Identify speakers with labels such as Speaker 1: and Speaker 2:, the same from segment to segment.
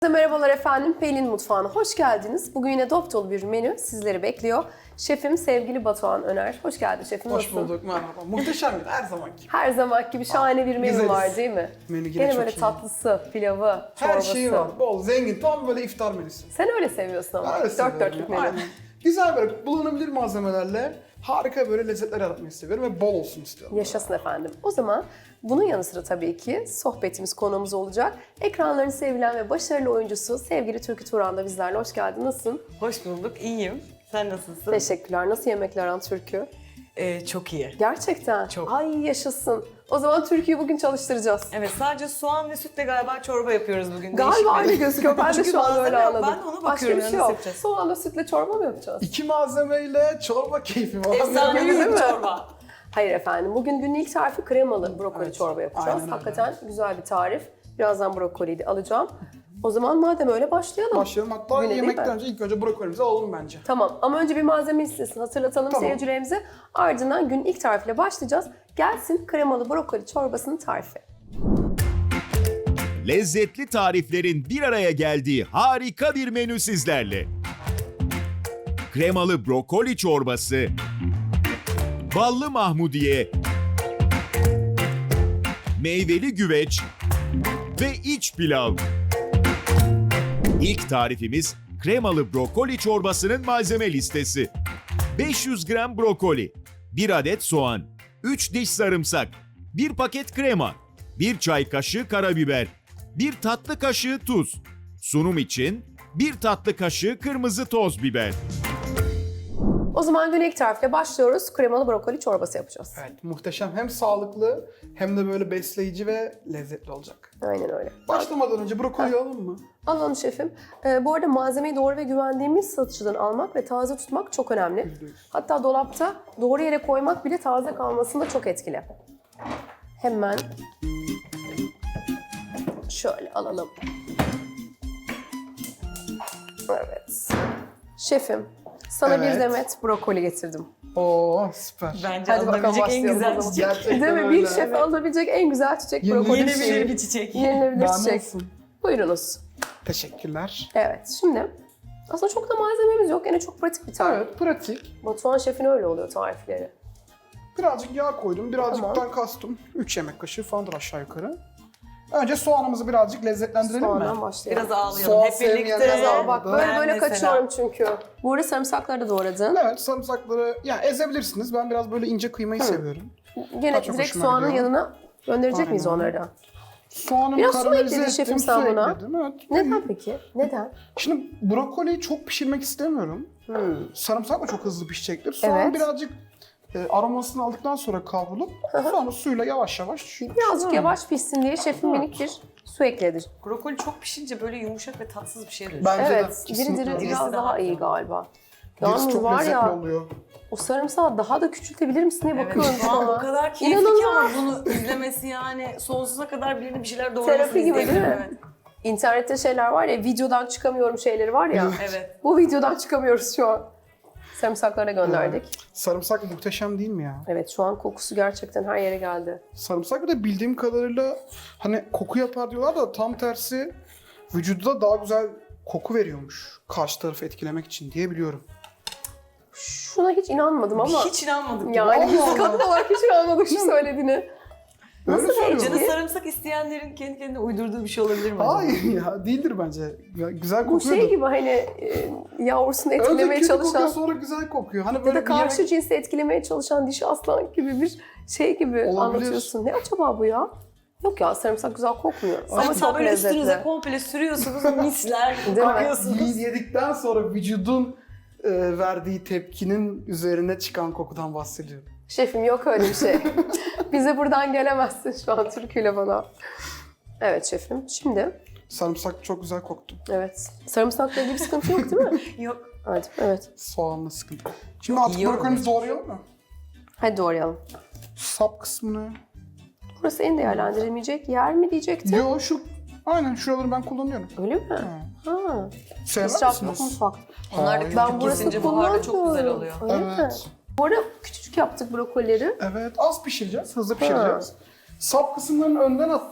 Speaker 1: Merhabalar efendim, Pelin Mutfağı'na hoş geldiniz. Bugün yine dop dolu bir menü sizleri bekliyor. Şefim sevgili Batuhan Öner. Hoş geldin şefim.
Speaker 2: Hoş bulduk, merhaba. Muhteşem bir her zamanki.
Speaker 1: Her zaman gibi şahane bir menü
Speaker 2: güzeliz.
Speaker 1: var değil mi?
Speaker 2: Menü yine
Speaker 1: Gene
Speaker 2: çok
Speaker 1: böyle
Speaker 2: iyi.
Speaker 1: tatlısı, pilavı, çorbası.
Speaker 2: Her şeyi var, bol, zengin, tam böyle iftar menüsü.
Speaker 1: Sen öyle seviyorsun ama.
Speaker 2: Öyle
Speaker 1: Dört
Speaker 2: seviyorum
Speaker 1: dörtlük
Speaker 2: ya,
Speaker 1: menü.
Speaker 2: aynen. Güzel böyle bulunabilir malzemelerle harika böyle lezzetler yaratmayı seviyorum ve bol olsun istiyorum.
Speaker 1: Yaşasın efendim. O zaman bunun yanı sıra tabii ki sohbetimiz, konuğumuz olacak. Ekranların sevilen ve başarılı oyuncusu sevgili Türkü Turan da bizlerle. Hoş geldin. Nasılsın?
Speaker 3: Hoş bulduk, iyiyim. Sen nasılsın?
Speaker 1: Teşekkürler. Nasıl yemekler aran Türkü?
Speaker 3: Çok iyi.
Speaker 1: Gerçekten.
Speaker 3: Çok.
Speaker 1: Ay yaşasın. O zaman Türkü'yü bugün çalıştıracağız.
Speaker 3: Evet, sadece soğan ve sütle galiba çorba yapıyoruz bugün.
Speaker 1: Galiba öyle
Speaker 3: Değişik bir-
Speaker 1: gözüküyor. Ben de
Speaker 3: Çünkü
Speaker 1: şu an öyle
Speaker 3: malzeme yok.
Speaker 1: anladım.
Speaker 3: Ben de ona
Speaker 1: Başka
Speaker 3: bakıyorum.
Speaker 1: bir şey
Speaker 3: nasıl
Speaker 1: yok.
Speaker 3: yapacağız?
Speaker 1: Soğanla sütle çorba mı yapacağız?
Speaker 2: 2 malzemeyle çorba keyfi var.
Speaker 3: Efsane
Speaker 1: Değil
Speaker 3: bir
Speaker 1: mi?
Speaker 3: çorba.
Speaker 1: Hayır efendim. Bugün günün ilk tarifi kremalı brokoli
Speaker 2: Evet,
Speaker 1: çorba yapacağız.
Speaker 2: aynen öyle.
Speaker 1: Hakikaten güzel bir tarif. Birazdan brokoliyi de alacağım. O zaman madem öyle başlayalım.
Speaker 2: Başlayalım. Hatta
Speaker 1: Güne değil
Speaker 2: yemekten
Speaker 1: mi?
Speaker 2: önce ilk önce brokolimizi alalım bence.
Speaker 1: Tamam ama önce bir malzeme listesini hatırlatalım
Speaker 2: Tamam.
Speaker 1: seyircilerimize. Ardından günün ilk tarifiyle başlayacağız. Gelsin kremalı brokoli çorbasının tarifi.
Speaker 4: Lezzetli tariflerin bir araya geldiği harika bir menü sizlerle. Kremalı brokoli çorbası, ballı mahmudiye, meyveli güveç ve iç pilav. İlk tarifimiz kremalı brokoli çorbasının malzeme listesi. 500 gram brokoli, 1 adet soğan, 3 diş sarımsak, 1 paket krema, 1 çay kaşığı karabiber, 1 tatlı kaşığı tuz. Sunum için 1 tatlı kaşığı kırmızı toz biber.
Speaker 1: O zaman günün ilk tarifiyle başlıyoruz. Kremalı brokoli çorbası yapacağız.
Speaker 2: Evet, muhteşem. Hem sağlıklı hem de böyle besleyici ve lezzetli olacak.
Speaker 1: Aynen öyle.
Speaker 2: Başlamadan önce brokoli alalım mı?
Speaker 1: Alalım şefim. Bu arada malzemeyi doğru ve güvendiğimiz satıcıdan almak ve taze tutmak çok önemli.
Speaker 2: %100.
Speaker 1: Hatta dolapta doğru yere koymak bile taze kalmasında çok etkili. Hemen şöyle alalım. Evet. Şefim, sana bir
Speaker 2: Evet.
Speaker 1: demet brokoli getirdim.
Speaker 2: Oo süper.
Speaker 3: Bence
Speaker 1: Hadi bakalım
Speaker 3: alınabilecek en
Speaker 1: başlayalım o
Speaker 3: güzel
Speaker 1: zaman.
Speaker 3: çiçek.
Speaker 2: Gerçekten
Speaker 1: Değil mi?
Speaker 2: öyle.
Speaker 1: Bir şef alabilecek en güzel çiçek
Speaker 2: Yeni-
Speaker 1: brokoli
Speaker 3: Yenebilir
Speaker 1: çiçeği.
Speaker 3: bir çiçek.
Speaker 1: Yenilebilir
Speaker 2: Daha ne
Speaker 1: çiçek.
Speaker 2: olsun?
Speaker 1: Buyurunuz.
Speaker 2: Teşekkürler.
Speaker 1: Evet, şimdi aslında çok da malzememiz yok. Yine çok pratik bir tarif.
Speaker 2: Evet, pratik.
Speaker 1: Batuhan şefin öyle oluyor tarifleri.
Speaker 2: Birazcık yağ koydum. Birazcıktan kastım 3 yemek kaşığı falandır aşağı yukarı. Önce soğanımızı birazcık lezzetlendirelim
Speaker 1: Soğandan
Speaker 2: mi?
Speaker 1: başlayalım.
Speaker 3: Biraz ağlayalım
Speaker 2: Soğan
Speaker 3: hep birlikte.
Speaker 2: sevmeyenler
Speaker 1: Biraz
Speaker 2: var
Speaker 1: al bak
Speaker 2: burada.
Speaker 1: böyle
Speaker 3: Ben
Speaker 1: böyle
Speaker 3: mesela.
Speaker 1: kaçıyorum çünkü. Bu arada sarımsakları da doğradın.
Speaker 2: Evet, sarımsakları yani ezebilirsiniz. Ben biraz böyle ince kıymayı seviyorum.
Speaker 1: Gene
Speaker 2: Daha çok
Speaker 1: direkt
Speaker 2: hoşuma
Speaker 1: soğanın
Speaker 2: gidiyor.
Speaker 1: yanına gönderecek
Speaker 2: Aynen
Speaker 1: miyiz
Speaker 2: öyle.
Speaker 1: onları da?
Speaker 2: Soğanımı
Speaker 1: Biraz su
Speaker 2: karamelize
Speaker 1: ekledin şefim
Speaker 2: ettim,
Speaker 1: sen
Speaker 2: su
Speaker 1: buna.
Speaker 2: ekledim. Evet.
Speaker 1: Neden peki? Neden?
Speaker 2: Şimdi brokoliyi çok pişirmek istemiyorum. Sarımsak da çok hızlı pişecektir. Soğan
Speaker 1: Evet.
Speaker 2: birazcık aromasını aldıktan sonra kavrulup sonra suyla yavaş yavaş.
Speaker 1: Birazcık yavaş pişsin diye şefim minik bir su ekledi.
Speaker 3: Brokoli çok pişince böyle yumuşak ve tatsız bir şeye dönüşüyor.
Speaker 2: Bence de
Speaker 1: Evet, diri
Speaker 2: kesinlikle.
Speaker 1: diri
Speaker 3: Dirisi
Speaker 1: biraz
Speaker 3: daha
Speaker 1: daha iyi
Speaker 3: güzel.
Speaker 1: galiba.
Speaker 2: Dirisi
Speaker 1: Yalnız
Speaker 2: çok
Speaker 1: var
Speaker 2: lezzetli
Speaker 1: ya,
Speaker 2: oluyor.
Speaker 1: o sarımsağı daha da küçültebilir misin diye
Speaker 3: Evet,
Speaker 1: bakıyorum
Speaker 3: şu an
Speaker 1: sana.
Speaker 3: o kadar keyifli ki
Speaker 1: İnanılmaz.
Speaker 3: ama bunu izlemesi yani sonsuza kadar birinin bir şeyler doğramasını
Speaker 1: Terapi gibi değil mi?
Speaker 3: izleyebilirim,
Speaker 1: İnternette şeyler var ya, videodan çıkamıyorum şeyleri var ya.
Speaker 3: Evet. Evet.
Speaker 1: Bu videodan çıkamıyoruz şu an. Sarımsaklara gönderdik.
Speaker 2: Sarımsak muhteşem değil mi ya?
Speaker 1: Evet, şu an kokusu gerçekten her yere geldi.
Speaker 2: Sarımsak bir de bildiğim kadarıyla hani koku yapar diyorlar da tam tersi vücuda daha güzel koku veriyormuş. Karşı tarafı etkilemek için diye biliyorum.
Speaker 1: Şuna hiç inanmadım ama.
Speaker 3: Hiç inanmadık.
Speaker 1: Yani biz
Speaker 2: Allah
Speaker 1: kadın olarak hiç inanmadık şu söylediğini.
Speaker 2: Öyle
Speaker 1: Nasıl
Speaker 2: söylüyorlar.
Speaker 3: Canı sarımsak isteyenlerin kendi kendine uydurduğu bir şey olabilir mi acaba?
Speaker 2: Hayır ya değildir bence. Ya, güzel
Speaker 1: Bu
Speaker 2: kokuyor
Speaker 1: şey
Speaker 2: da.
Speaker 1: gibi hani yavrusunu
Speaker 2: Önce
Speaker 1: etkilemeye
Speaker 2: kötü kokuyor
Speaker 1: çalışan
Speaker 2: sonra güzel kokuyor. Hani
Speaker 1: ya
Speaker 2: böyle
Speaker 1: da karşı cinsi etkilemeye çalışan dişi aslan gibi bir şey gibi
Speaker 2: Olabilir.
Speaker 1: anlatıyorsun. Ne acaba bu ya? Yok ya, sarımsak güzel kokmuyor. Ama
Speaker 3: Hatta
Speaker 1: çok
Speaker 3: böyle üstünüze
Speaker 1: lezzetli.
Speaker 3: komple sürüyorsunuz, misler
Speaker 1: Değil mi?
Speaker 3: kokuyorsunuz.
Speaker 2: yedikten sonra vücudun verdiği tepkinin üzerine çıkan kokudan bahsediyorum.
Speaker 1: Şefim yok öyle bir şey. Bize buradan gelemezsin şu an türküyle bana. Evet şefim. Şimdi
Speaker 2: Sarımsak çok güzel koktu.
Speaker 1: evet. Sarımsakla ilgili bir sıkıntı yok değil mi?
Speaker 3: Yok.
Speaker 1: Hadi evet.
Speaker 2: Soğanla sıkıntı. Şimdi artık
Speaker 3: yiyorum
Speaker 2: brokolimizi doğrayalım mı?
Speaker 1: Hadi doğrayalım.
Speaker 2: Sap kısmını.
Speaker 1: Burası en değerlendirilmeyecek yer mi diyecektim?
Speaker 2: Yo şu aynen şuraları ben kullanıyorum.
Speaker 1: Öyle mi? Ha.
Speaker 2: Sevmez
Speaker 1: İsraf yok
Speaker 2: misiniz?
Speaker 1: mutfakta.
Speaker 3: Onlar da
Speaker 2: Hayır.
Speaker 1: Ben
Speaker 3: küçük
Speaker 1: burası
Speaker 3: kesince buharda çok güzel
Speaker 1: kullanmıyorum.
Speaker 3: oluyor.
Speaker 1: Öyle mi?
Speaker 2: Evet.
Speaker 1: Bu arada küçücük yaptık brokolleri.
Speaker 2: Evet az pişireceğiz, hızlı pişireceğiz. Sap kısımlarını önden attım.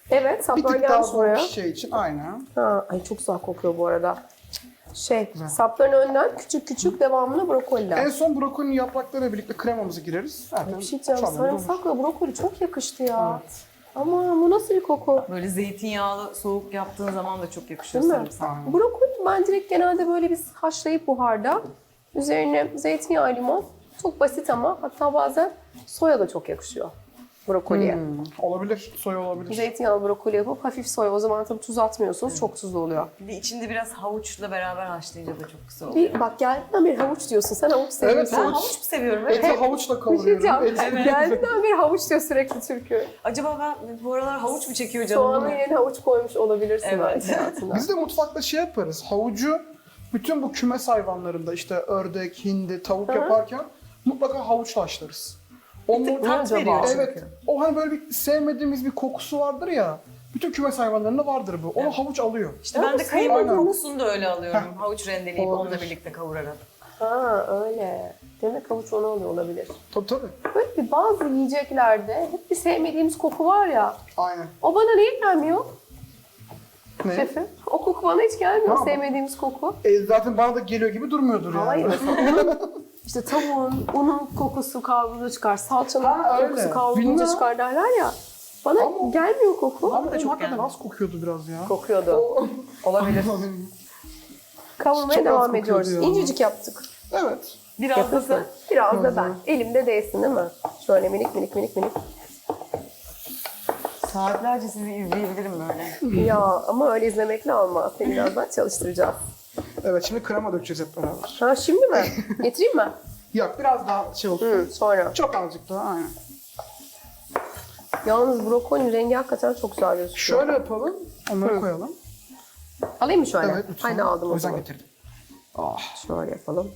Speaker 1: Evet,
Speaker 2: Bir
Speaker 1: saplar
Speaker 2: tık daha
Speaker 1: gelmiş
Speaker 2: zor
Speaker 1: buraya.
Speaker 2: bir şey için aynen.
Speaker 1: Ha, ay çok güzel kokuyor bu arada.
Speaker 2: Güzel.
Speaker 1: Sapların önden küçük küçük devamlı brokoliler.
Speaker 2: En son brokolinin yapraklarıyla birlikte kremamızı gireriz. Zaten
Speaker 1: Bir şey diyeceğim,
Speaker 2: çorbamız olur.
Speaker 1: sarımsakla brokoli çok yakıştı ya. Ama bu nasıl bir koku?
Speaker 3: Böyle zeytinyağlı soğuk yaptığın zaman da çok yakışıyor
Speaker 1: Değil mi?
Speaker 3: sarımsak.
Speaker 2: Aynen.
Speaker 1: Brokoli ben direkt genelde böyle biz haşlayıp buharda üzerine zeytinyağı, limon. Çok basit ama hatta bazen soya da çok yakışıyor brokoliye.
Speaker 2: Olabilir, soya olabilir.
Speaker 1: Zeytinyağlı brokoli yapıp hafif soya. O zaman tabii tuz atmıyorsunuz. Çok tuzlu oluyor.
Speaker 3: Bir de içinde biraz havuçla beraber haşlayınca da çok güzel oluyor.
Speaker 1: Bir bak geldiğinden beri havuç diyorsun. Sen havuç seviyorsun.
Speaker 3: Ben
Speaker 2: havuç.
Speaker 3: havuç mu seviyorum? Evet.
Speaker 2: Eti havuçla
Speaker 1: Bir şey
Speaker 2: kavuruyorum.
Speaker 1: diyeceğim. Geldiğinden beri havuç diyor sürekli Türkü.
Speaker 3: Acaba ben bu aralar havuç mu çekiyor canım?
Speaker 1: Soğanın yerine havuç koymuş olabilirsin
Speaker 3: Evet.
Speaker 1: belki hayatında.
Speaker 2: Biz de mutfakta şey yaparız. Havucu bütün bu kümes hayvanlarında işte ördek, hindi, tavuk yaparken mutlaka havuçla haşlarız. O
Speaker 3: tık
Speaker 2: mu-
Speaker 3: tat
Speaker 1: acaba?
Speaker 3: veriyor çünkü.
Speaker 2: Evet. O hani böyle bir sevmediğimiz bir kokusu vardır ya. Bütün kümes hayvanlarında vardır bu. Onu havuç alıyor.
Speaker 3: İşte ben de kaymak
Speaker 2: Aynen.
Speaker 3: kokusunu da öyle alıyorum. Havuç rendeleyip
Speaker 2: Olabilir.
Speaker 3: onunla birlikte kavurarak.
Speaker 1: Ha öyle. Demek havuç onu alıyor olabilir.
Speaker 2: Tabii tabii.
Speaker 1: Böyle bir bazı yiyeceklerde hep bir sevmediğimiz koku var ya.
Speaker 2: Aynen.
Speaker 1: O bana niye gelmiyor
Speaker 2: Ne?
Speaker 1: şefim? O koku bana hiç gelmiyor.
Speaker 2: Ha,
Speaker 1: Sevmediğimiz koku.
Speaker 2: Zaten bana da geliyor gibi durmuyordur yani.
Speaker 1: Hayır mesela işte tavuğun, unun kokusu kavrulunca çıkar. Salçanın
Speaker 2: Ha, öyle.
Speaker 1: kokusu kavrulunca
Speaker 2: Bilmem.
Speaker 1: çıkar derler ya. Bana
Speaker 2: Ama-
Speaker 1: gelmiyor koku.
Speaker 2: Ama
Speaker 3: da çok
Speaker 2: hakikaten
Speaker 3: geldi.
Speaker 2: az kokuyordu biraz ya.
Speaker 1: Kokuyordu. Olabilir. Kavurmaya
Speaker 2: Çok az
Speaker 1: devam
Speaker 2: kokuyordu
Speaker 1: ediyoruz.
Speaker 2: ya.
Speaker 1: İncecik yaptık.
Speaker 2: Evet.
Speaker 3: Biraz da
Speaker 1: Yapılsın.
Speaker 3: sen.
Speaker 1: Biraz da ben. Elimde değsin değil mi? Şöyle minik minik minik minik.
Speaker 3: Saatlerce sizi izleyebilirim böyle.
Speaker 1: Ya ama öyle izlemekle olmaz. Seni birazdan çalıştıracağız.
Speaker 2: Evet, şimdi krema dökeceğiz hep beraber.
Speaker 1: Ha şimdi mi? Getireyim mi?
Speaker 2: Yok, biraz daha şey olsun.
Speaker 1: Sonra.
Speaker 2: Çok azıcık daha, aynen.
Speaker 1: Yalnız brokolinin rengi hakikaten çok güzel gözüküyor.
Speaker 2: Şöyle yapalım, onları koyalım.
Speaker 1: Alayım mı şöyle?
Speaker 2: Evet, lütfen.
Speaker 1: Haydi aldım
Speaker 2: O
Speaker 1: o
Speaker 2: yüzden
Speaker 1: zaman.
Speaker 2: getirdim.
Speaker 1: Şöyle yapalım.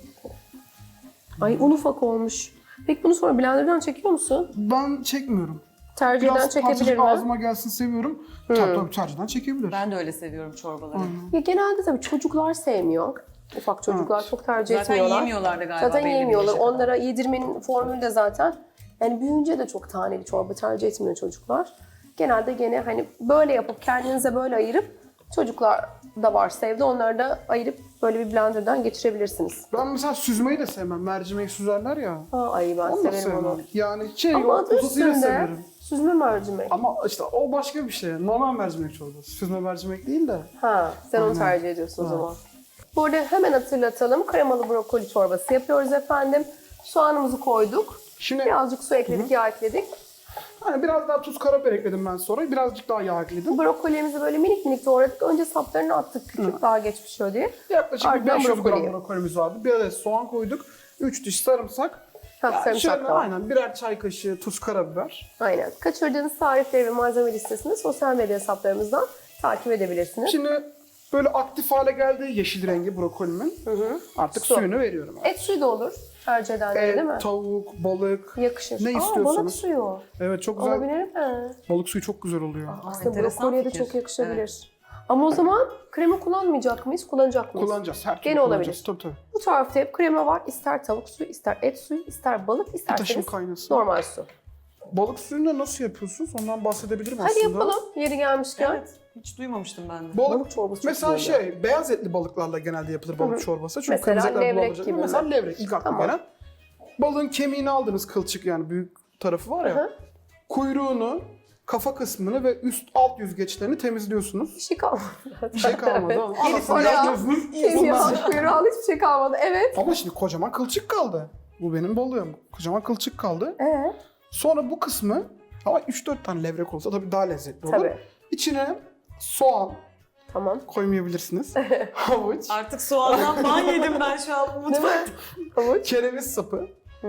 Speaker 1: Ay un ufak olmuş. Peki bunu sonra blenderdan çekiyor musun?
Speaker 2: Ben çekmiyorum.
Speaker 1: Tercihden
Speaker 2: Biraz
Speaker 1: çekebilir
Speaker 2: parçacık
Speaker 1: mi?
Speaker 2: ağzıma gelsin seviyorum. Tabii tercihten çekebilir.
Speaker 3: Ben de öyle seviyorum çorbaları.
Speaker 1: Ya genelde tabii çocuklar sevmiyor. Ufak çocuklar çok tercih
Speaker 3: Zaten
Speaker 1: etmiyorlar.
Speaker 3: yemiyorlar da galiba.
Speaker 1: Zaten
Speaker 3: belli bir
Speaker 1: yemiyorlar.
Speaker 3: yaşa kadar.
Speaker 1: Onlara yedirmenin formülü de zaten. Yani büyüyünce de çok taneli çorba tercih etmiyor çocuklar. Genelde gene hani böyle yapıp kendinize böyle ayırıp çocuklar da varsa evde onları da ayırıp böyle bir blenderdan geçirebilirsiniz.
Speaker 2: Ben mesela süzmeyi de sevmem. Mercimeği süzerler ya.
Speaker 1: Ha, ay ben
Speaker 2: Onu da
Speaker 1: severim onu.
Speaker 2: sevmem. Yani şey,
Speaker 1: Ama adı
Speaker 2: uzasıyla
Speaker 1: üstünde
Speaker 2: severim.
Speaker 1: süzme mercimek.
Speaker 2: Ama işte o başka bir şey. Normal mercimek çorbası. Süzme mercimek değil de.
Speaker 1: Ha, sen onu
Speaker 2: Aynen.
Speaker 1: tercih ediyorsun o zaman. Bu arada hemen hatırlatalım. Kremalı brokoli çorbası yapıyoruz efendim. Soğanımızı koyduk.
Speaker 2: Şimdi
Speaker 1: Birazcık su ekledik, yağ ekledik.
Speaker 2: hani biraz daha tuz, karabiber ekledim ben sonra. Birazcık daha yağ ekledim.
Speaker 1: Brokolimizi böyle minik minik doğradık. Önce saplarını attık küçük, daha geç pişiyor diye.
Speaker 2: Yaklaşık bir
Speaker 1: Ardından
Speaker 2: 500 gram
Speaker 1: brokoliyi.
Speaker 2: brokolimiz vardı. Bir adet soğan koyduk. 3 diş sarımsak.
Speaker 1: Ha,
Speaker 2: Yani
Speaker 1: sarımsak
Speaker 2: şöyle
Speaker 1: da var.
Speaker 2: aynen birer çay kaşığı tuz, karabiber.
Speaker 1: Aynen. Kaçırdığınız tarifleri ve malzeme listesini sosyal medya hesaplarımızdan takip edebilirsiniz.
Speaker 2: Şimdi böyle aktif hale geldi yeşil rengi brokolimin. Artık
Speaker 1: Su.
Speaker 2: suyunu veriyorum.
Speaker 1: Et suyu da olur. Tercih edenlere değil mi?
Speaker 2: Tavuk, balık.
Speaker 1: Yakışır.
Speaker 2: Ne
Speaker 1: Balık
Speaker 2: istiyorsanız.
Speaker 1: suyu.
Speaker 2: Evet, çok güzel.
Speaker 1: Olabilir mi?
Speaker 2: Balık suyu çok güzel oluyor.
Speaker 1: Aslında
Speaker 3: enteresan
Speaker 1: brokoliye de
Speaker 3: fikir.
Speaker 1: çok yakışabilir. Ama o zaman krema kullanmayacak mıyız? Kullanacak mıyız?
Speaker 2: Kullanacağız. Her türlü
Speaker 1: Gene
Speaker 2: kullanacağız.
Speaker 1: olabilir.
Speaker 2: Tabii.
Speaker 1: Bu tarifte hep krema var. İster tavuk suyu, ister et suyu, ister balık,
Speaker 2: Taşım
Speaker 1: isterseniz
Speaker 2: kaynasın.
Speaker 1: normal su.
Speaker 2: Balık suyunu nasıl yapıyorsunuz? Ondan bahsedebilirim
Speaker 1: Hadi
Speaker 2: aslında.
Speaker 1: yapalım yeri gelmişken.
Speaker 3: Evet. Hiç duymamıştım ben de.
Speaker 1: Balık çorbası çok
Speaker 2: Mesela
Speaker 1: güzel oluyor.
Speaker 2: şey, beyaz etli balıklarla genelde yapılır balık çorbası. Çünkü
Speaker 1: Mesela
Speaker 2: kırmızı etler
Speaker 1: levrek
Speaker 2: bulanacak.
Speaker 1: gibi mi?
Speaker 2: Mesela levrek ilk aklıma
Speaker 1: Tamam.
Speaker 2: gelen. Balığın kemiğini aldınız, kılçık yani büyük tarafı var ya.
Speaker 1: Hı hı.
Speaker 2: Kuyruğunu, kafa kısmını ve alt yüzgeçlerini temizliyorsunuz.
Speaker 1: Bir şey kalmadı.
Speaker 2: Bir şey kalmadı. ama Arasını
Speaker 1: oraya-
Speaker 2: yapıyorsunuz.
Speaker 1: Kemiği al, kuyruğu al, hiçbir şey kalmadı. Evet.
Speaker 2: Ama şimdi kocaman kılçık kaldı. Bu benim balığım. Kocaman kılçık kaldı. Sonra bu kısmı ama 3-4 tane levrek olsa tabii daha lezzetli olur.
Speaker 1: Tabii.
Speaker 2: İçine soğan
Speaker 1: Tamam.
Speaker 2: koymayabilirsiniz. Havuç,
Speaker 3: Artık soğandan ban yedim ben şu an
Speaker 1: Değil
Speaker 3: mutfakta.
Speaker 1: mi? Havuç.
Speaker 2: kereviz sapı.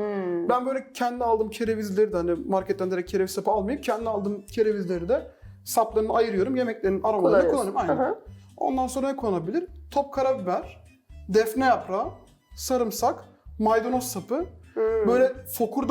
Speaker 2: Ben böyle kendi aldığım kerevizleri de hani marketten direkt kereviz sapı almayıp kendi aldığım kerevizleri de saplarını ayırıyorum. Yemeklerin aromalarını kullanıyorum. Aynen.
Speaker 1: Hı hı.
Speaker 2: Ondan sonra ne konabilir? Top karabiber, defne yaprağı, sarımsak, maydanoz sapı. Böyle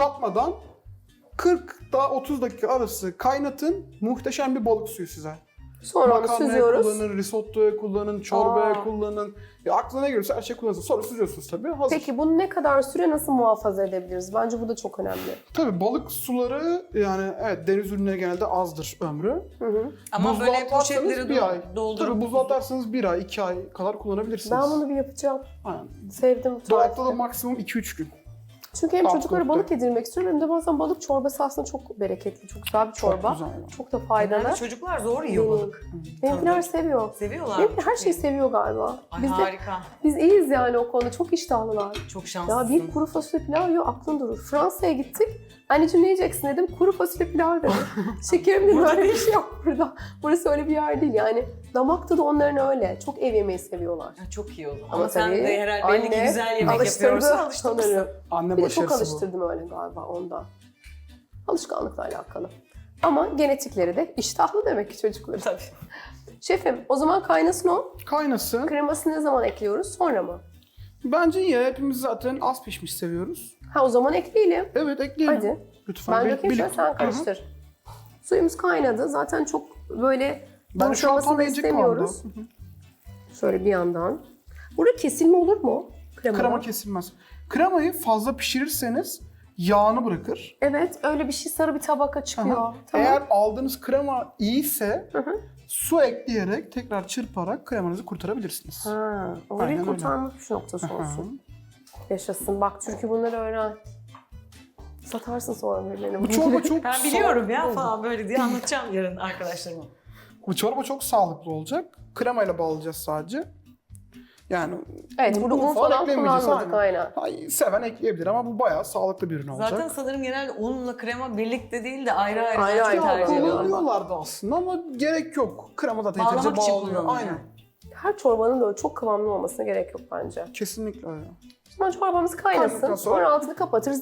Speaker 2: fokurdatmadan 40 daha 30 dakika arası kaynatın. Muhteşem bir balık suyu size.
Speaker 1: Sonra onu
Speaker 2: Makarnaya
Speaker 1: süzüyoruz.
Speaker 2: kullanın, risottoya kullanın, çorbaya
Speaker 1: Aa.
Speaker 2: kullanın. Ya aklına ne gelirse her şey kullanırsınız. Sonra süzüyorsunuz tabii. Hazır.
Speaker 1: Peki bunu ne kadar süre nasıl muhafaza edebiliriz? Bence bu da çok önemli.
Speaker 2: Tabii balık suları yani evet deniz ürünleri genelde azdır ömrü.
Speaker 3: Ama
Speaker 2: Buzluğa
Speaker 3: böyle
Speaker 2: atarsanız
Speaker 3: poşetleri
Speaker 2: bir ay.
Speaker 3: doldurup...
Speaker 2: Tabii buzluğa atarsanız 1 ay, 2 ay kadar kullanabilirsiniz.
Speaker 1: Ben bunu bir yapacağım.
Speaker 2: Aynen.
Speaker 1: Sevdim bu
Speaker 2: Dolapta da
Speaker 1: tarifi.
Speaker 2: maksimum 2-3 gün.
Speaker 1: Çünkü hem çocuklara
Speaker 2: Haftalıkta.
Speaker 1: balık yedirmek istiyorum hem de bazen balık çorbası aslında çok bereketli, çok güzel bir çorba.
Speaker 2: güzel.
Speaker 1: Çok da faydalı.
Speaker 3: Genelde çocuklar zor yiyor
Speaker 1: Benim.
Speaker 3: balık.
Speaker 1: Benimkiler seviyor.
Speaker 3: Seviyorlar.
Speaker 1: Benimki her
Speaker 3: Çok
Speaker 1: şeyi
Speaker 3: iyi.
Speaker 1: seviyor galiba.
Speaker 3: Ay
Speaker 1: Biz, de,
Speaker 3: harika.
Speaker 1: biz iyiyiz yani o konuda. Çok iştahlılar.
Speaker 3: Çok
Speaker 1: Ya
Speaker 3: şanslısın.
Speaker 1: bir kuru fasulye pilav yiyor, aklın durur. Fransa'ya gittik. Anneciğim ne yiyeceksin dedim. Kuru fasulye pilav dedi. Şekerim dedim öyle bir şey yok burada. Burası öyle bir yer değil yani. Damakta da onların öyle. Çok ev yemeği seviyorlar.
Speaker 3: Ya çok iyi o zaman.
Speaker 1: Ama
Speaker 3: Ama sen
Speaker 1: tabii
Speaker 3: de herhalde belli ki
Speaker 1: anne
Speaker 3: güzel yemek
Speaker 1: alıştırdı
Speaker 3: yapıyorsun. Alıştırmışsın.
Speaker 1: sanırım.
Speaker 2: Anne
Speaker 1: Bir de çok
Speaker 2: başarısı bu.
Speaker 1: alıştırdım öyle galiba ondan. Alışkanlıkla alakalı. Ama genetikleri de iştahlı demek ki çocukların.
Speaker 3: Tabii.
Speaker 1: Şefim o zaman kaynasın o.
Speaker 2: Kaynasın.
Speaker 1: Kremasını ne zaman ekliyoruz? Sonra mı?
Speaker 2: Bence iyi. Hepimiz zaten az pişmiş seviyoruz.
Speaker 1: Ha o zaman ekleyelim.
Speaker 2: Evet ekleyelim.
Speaker 1: Hadi.
Speaker 2: Lütfen.
Speaker 1: Ben
Speaker 2: bir-
Speaker 1: dökeyim şöyle
Speaker 2: birlikte-
Speaker 1: sen karıştır. Suyumuz kaynadı. Zaten çok böyle
Speaker 2: Ben şu an
Speaker 1: yumuşamasını
Speaker 2: tam ince
Speaker 1: istemiyoruz.
Speaker 2: kıvamda.
Speaker 1: Şöyle bir yandan. Burada kesilme olur mu?
Speaker 2: Krema kesilmez. Kremayı fazla pişirirseniz yağını bırakır.
Speaker 1: Evet öyle bir şey sarı bir tabaka çıkıyor.
Speaker 2: Aha.
Speaker 1: Tamam.
Speaker 2: Eğer aldığınız krema iyiyse
Speaker 1: Hı hı.
Speaker 2: su ekleyerek tekrar çırparak kremanızı kurtarabilirsiniz.
Speaker 1: Ha,
Speaker 2: Aynen
Speaker 1: orayı
Speaker 2: öyle.
Speaker 1: kurtarmak bir noktası
Speaker 2: Hı hı.
Speaker 1: olsun. Yaşasın. Bak çünkü bunları öğren. Satarsın sonra birilerine.
Speaker 2: Bu çorba çok
Speaker 3: Ben biliyorum ya falan böyle diye anlatacağım yarın arkadaşlarıma.
Speaker 2: Bu çorba çok sağlıklı olacak. Kremayla bağlayacağız sadece. Yani
Speaker 1: Evet burada un falan
Speaker 2: eklemeyeceğiz,
Speaker 1: kullanmadık aynen.
Speaker 2: Ay, seven ekleyebilir ama bu bayağı sağlıklı bir ürün olacak.
Speaker 3: Zaten sanırım genelde unla krema birlikte değil de ayrı ayrı,
Speaker 1: Ayrı
Speaker 3: daha çok
Speaker 1: ayrı
Speaker 3: tercih
Speaker 1: tercih ediyorlar.
Speaker 3: ediyorlar.
Speaker 2: kullanıyorlardı aslında ama gerek yok. Krema zaten
Speaker 3: Bağlamak
Speaker 2: yeterince
Speaker 3: için
Speaker 2: bağlıyor.
Speaker 3: kullanılıyor.
Speaker 2: Aynen.
Speaker 1: Her çorbanın böyle çok kıvamlı olmasına gerek yok bence.
Speaker 2: Kesinlikle öyle.
Speaker 1: Şimdi çorbamız kaynasın.
Speaker 2: Kaynadıktan sonra-
Speaker 1: Sonra altını kapatırız.